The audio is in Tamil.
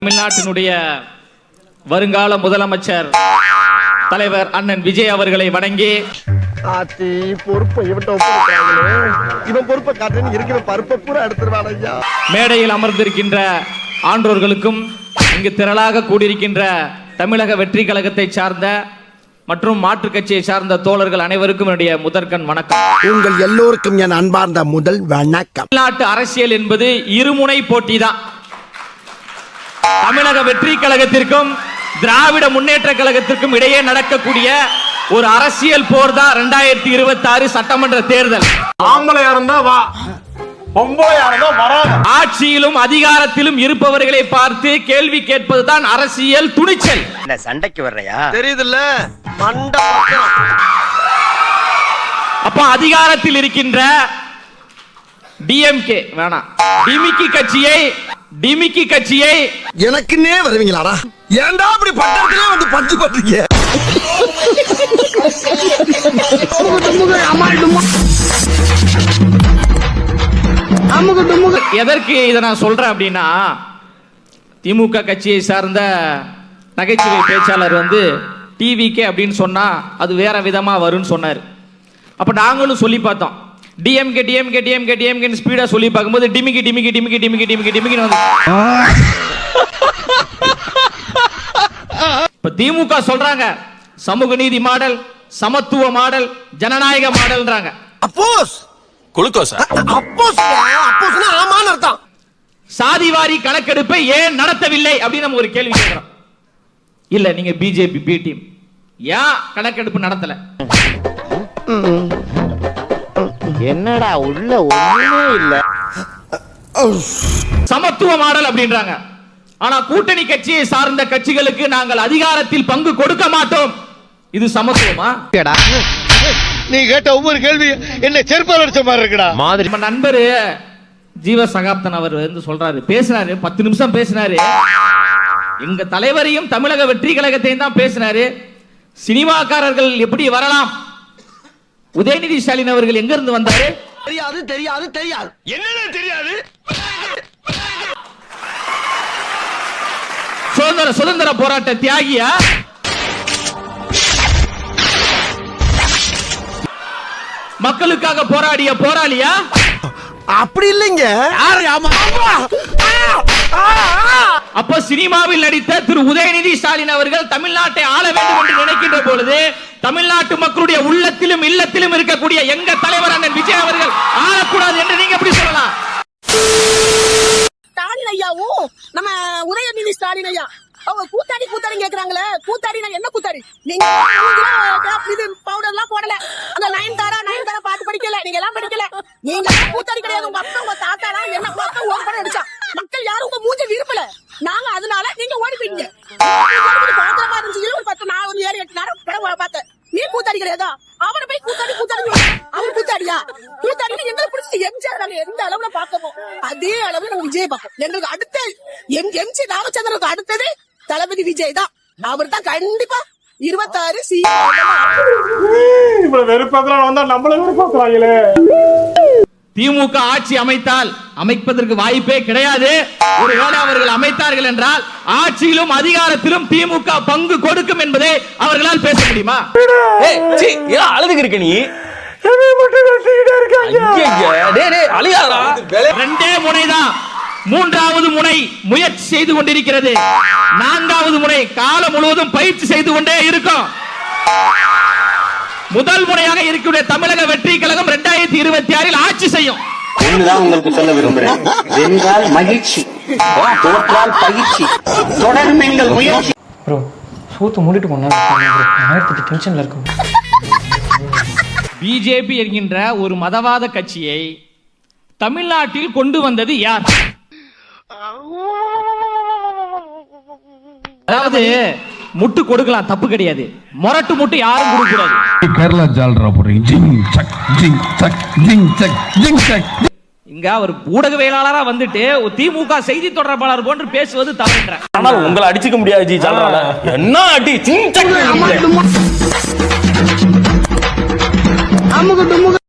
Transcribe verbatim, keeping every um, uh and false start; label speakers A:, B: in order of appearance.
A: தமிழ்நாட்டினுடைய வருங்கால முதலமைச்சர் தலைவர் அண்ணன் விஜய் அவர்களை வணங்கி
B: ஆத்தி பொறுப்பை இவன்ட்ட ஒப்படைக்கிறாங்களே, இவன் பொறுப்பை காட்டுன்னு இருக்கிற பருப்பை பூரா எடுத்துருவான் ஐயா.
A: மேடையில் அமர்ந்திருக்கின்ற ஆன்றோர்களுக்கும் இங்கு திரளாக கூடியிருக்கின்ற தமிழக வெற்றி கழகத்தை சார்ந்த மற்றும் மாற்றுக் கட்சியை சார்ந்த தோழர்கள் அனைவருக்கும் என்னுடைய முதற்கண் வணக்கம்.
B: உங்கள் எல்லோருக்கும் என் அன்பார்ந்த முதல் வணக்கம்.
A: தமிழ்நாட்டு அரசியல் என்பது இருமுனை போட்டி தான். தமிழக வெற்றி கழகத்திற்கும் திராவிட முன்னேற்ற கழகத்திற்கும் இடையே நடக்கக்கூடிய ஒரு அரசியல் போர் தான் இரண்டாயிரத்தி இருபத்தி ஆறு சட்டமன்ற தேர்தல்.
C: ஆம்பளையா இருந்தா வா, பொம்பளையா இருந்தா வராது.
A: ஆட்சியிலும் அதிகாரத்திலும் இருப்பவர்களை பார்த்து கேள்வி கேட்பதுதான் அரசியல் துணிச்சல்.
D: என்ன சண்டைக்கு வர்றையா?
B: தெரியுதுல்ல மண்டை.
A: அப்ப அதிகாரத்தில் இருக்கின்ற டிஎம்கே வேணாம் டிமிக்கி கட்சியை டிமிக்கி கட்சியை
B: எனக்குன்னே வருவீங்களாடா? ஏன்டா அப்படி பட்டத்திலே வந்து பஞ்சு பண்றீங்க?
A: எதற்கு இதை நான் சொல்றேன் அப்படின்னா, திமுக கட்சியை சார்ந்த நகைச்சுவை பேச்சாளர் வந்து டிவிகே அப்படின்னு சொன்னா அது வேற விதமா வரும்னு சொன்னார். அப்ப நாங்களும் சொல்லி பார்த்தோம். டிஎம்கே டிஎம்கே டிஎம்கே டிஎம்கே ஸ்பீடா சொல்லி பார்க்கும்போது டிமிக்கி டிமிக்கி டிமிக்கி டிமிக்கி டிமிக்கி டிமிக்கி வந்து இப்ப திமுக சொல்றாங்க சமூக நீதி மாடல், சமத்துவ மாடல், ஜனநாயக மாடல்ன்றாங்க.
B: அப்போஸ்
C: குளுக்கோஸ்
B: அப்போஸ் அப்போஸ்னா ஆமான்னு அர்த்தம்.
A: சாதிவாரி கணக்கெடுப்பை ஏன் நடத்தவில்லை அப்படின்னு நம்ம ஒரு கேள்வி கேட்கிறோம். இல்ல நீங்க பிஜேபி பி டீம் ஏன் கணக்கெடுப்பு நடத்தல?
D: என்னடா உள்ள ஒண்ணுமே இல்ல.
A: சமத்துவ மாடல் அப்படின்றாங்க. ஆனா கூட்டணி கட்சியை சார்ந்த கட்சிகளுக்கு நாங்கள் அதிகாரத்தில் பங்கு கொடுக்க மாட்டோம். இது சமத்துவமா?
E: நீ கேட்ட ஒவ்வொரு கேள்வி என்ன செருப்பால் அடிச்ச மாதிரி இருக்குடா.
A: மாதிரி நம்ம நண்பர் ஜீவ சகாப்தன் அவர் வந்து சொல்றாரு, பேசினாரு, பத்து நிமிஷம் பேசினாரு. எங்க தலைவரையும் தமிழக வெற்றி கழகத்தையும் தான் பேசினாரு. சினிமாக்காரர்கள் எப்படி வரலாம்? உதயநிதி ஸ்டாலின் அவர்கள் எங்க இருந்து வந்தாரு?
B: தெரியாது தெரியாது தெரியாது.
C: என்னன்னு தெரியாது.
A: சுதந்திர சுதந்திர போராட்ட தியாகியா? மக்களுக்காக போராடிய போராளியா?
B: அப்படி இல்லைங்க.
A: அப்ப சினிமாவில் நடித்த திரு உதயநிதி ஸ்டாலின் அவர்கள் தமிழ்நாட்டை ஆள வேண்டும் என்று நினைக்கின்ற பொழுது தமிழ்நாட்டு மக்களுடைய உள்ளத்திலும் இல்லத்திலும் இருக்கக்கூடிய எங்க தலைவர் அண்ணன் விஜய் அவர்கள் ஆளக்கூடாது என்று நீங்க எப்படி சொல்லலாம்?
F: ஸ்டாலின் ஐயாவும் நம்ம உதயநிதி ஸ்டாலின் ஐயா அவங்க கூத்தாடி கூத்தாடி கேக்குறாங்களே, கூத்தாடி நான் என்ன கூத்தாடி? நீங்க இது பவுடர் எல்லாம் போடல, அந்த நயன் தாரா நயன் தாரா பாட்டு படிக்கல, நீங்க எல்லாம் படிக்கல. நீங்க கூத்தாடி கிடையாது. உங்க அப்பா உங்க தாத்தா என்ன பார்த்தா ஓடி படம் அடிச்சா மக்கள் யாரும் உங்க மூஞ்ச விரும்பல. நாங்க அதனால நீங்க ஓடி போயிட்டீங்க. பாத்திரமா இருந்துச்சு. ஒரு பத்து நான் ஒரு ஏழு எட்டு நேரம் படம் பார்த்தேன். நீ கூத்தாடி கிடையாதா? அவனை போய் கூத்தாடி கூத்தாடி அவன் கூத்தாடியா? கூத்தாடி எங்களுக்கு பிடிச்ச எம்ஜிஆர் நாங்க எந்த அளவுல பாக்கணும் அதே அளவுல நம்ம விஜய் பார்ப்போம். எங்களுக்கு அடுத்த எம் எம்ஜி ராமச்சந்திரனுக்கு அடுத்தது தளபதி விஜய் தான். அவர் தான் கண்டிப்பா இருபத்தாறு சி
C: வெறுப்பாக்குறான் வந்தா நம்மள வெறுப்பாக்குறாங்களே.
A: திமுக ஆட்சி அமைத்தால் அமைப்பதற்கு வாய்ப்பே கிடையாது. ஒருவேளை அவர்கள் அமைத்தார்கள் என்றால் ஆட்சியிலும் அதிகாரத்திலும் திமுக பங்கு கொடுக்கும் என்பதை அவர்களால் பேச முடியுமா?
C: அழுதுக்கு இருக்க நீ
A: ரெண்டே முனைதான். மூன்றாவது முனை முயற்சி செய்து கொண்டிருக்கிறது. நான்காவது முனை காலம் முழுவதும் பயிற்சி செய்து கொண்டே இருக்கும். முதல் முறையாக இருக்கக்கூடிய தமிழக வெற்றி கழகம் இரண்டாயிரத்தி இருபத்தி ஆறில் ஆட்சி செய்யும்.
G: ஒண்ணுதான் உங்களுக்கு சொல்ல விரும்புறேன். வென்றால் மகிழ்ச்சி, தோற்றால் பயிற்சி, தொடரும் எங்கள் முயற்சி.
H: ப்ரோ சூத்து மூடிட்டு போனா டென்ஷன்ல இருக்கும்.
A: பிஜேபி என்கின்ற ஒரு மதவாத கட்சியை தமிழ்நாட்டில் கொண்டு வந்தது யார்? அதாவது முட்டு கொடுக்கலாம், தப்பு கிடையாது. மொரட்டு முட்டு யாரும் கொடுக்க கூடாது.
I: கேரளா ஜால்ரா போறீங்க. ஜிங் சக் ஜிங் சக் ஜிங் சக் ஜிங் சக்.
A: இங்க அவர் ஊடகவியலாளரா வந்துட்டு திமுக செய்தி தொடர்பாளர் போன்று பேசுவது தவறுன்ற.
C: ஆனால் உங்களை அடிச்சுக்க முடியாது ஜி ஜால்ரால. என்ன அடி ஜிங் சக்.